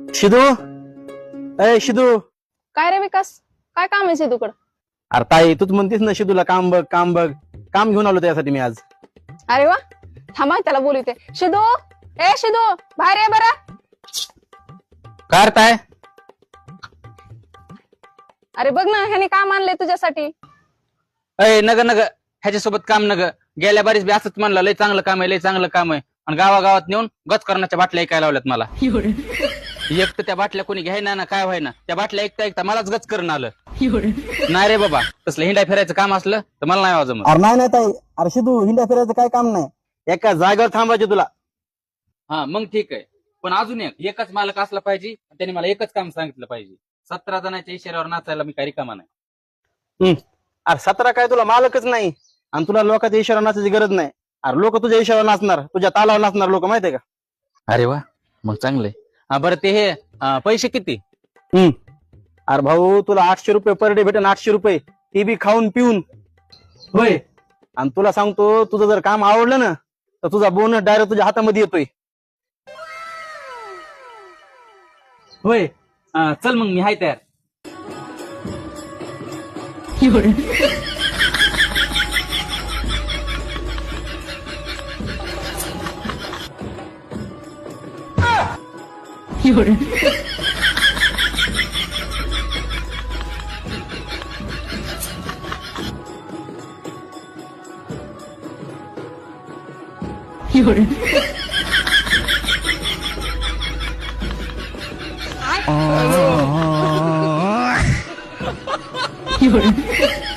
शिदू, ए शिदू. काय रे विकास, काय काम आहे सिद्धूकडं? अरे ताई, तूच म्हणतेस ना शिदूला काम बघ काम बघ. काम घेऊन आलो त्यासाठी मी आज. अरे वा, थांबा त्याला बोलवते. शिदू, ए शिदू, बाहेर ये बरं. काय करताय? अरे बघ ना, ह्याने काम आणलंय तुझ्यासाठी. अय नग नग, ह्याच्यासोबत काम नग. गेल्या बारीच बी असंच म्हणलं, लय चांगलं काम आहे, लय चांगलं काम आहे. आणि गावागावात नेऊन गचकरणाच्या बाटल्या ऐकायला लावल्यात मला. एक तर त्या बाटल्या कोणी घ्यायना ना काय व्हायना, त्या बाटल्या ऐकता ऐकता मलाच गच करून आलं. नाही रे बाबा, तसलं हिंडा फिरायचं काम असलं तर मला नाही वाजत. अरे नाही ताई, अरे शिदू हिंडा फिरायचं काय काम नाही, एका जागेवर थांबायचे तुला. हा मग ठीक आहे, पण अजून एकच मालक असला पाहिजे, त्याने मला एकच काम सांगितलं पाहिजे. 17 जणांच्या इशाऱ्यावर नाचायला मी काही रिकामा नाही. अरे 17 काय तुला मालकच नाही, आणि तुला लोकांच्या इशारा नाचायची गरज नाही. अरे लोक तुझ्या इशारा नाचणार, तुझ्या तालावर नाचणार लोक, माहितीये का? अरे वा, मग चांगलंय. बरं ते हे पैसे किती? अरे भाऊ, तुला 800 रुपये पर डे भेटेन, 800 रुपये, ते बी खाऊन पिऊन. होय. आणि तुला सांगतो, तुझं जर काम आवडलं ना तर तुझा बोनस डायरेक्ट तुझ्या हातामध्ये येतोय. होय, चल मग मी हाय तयार. You're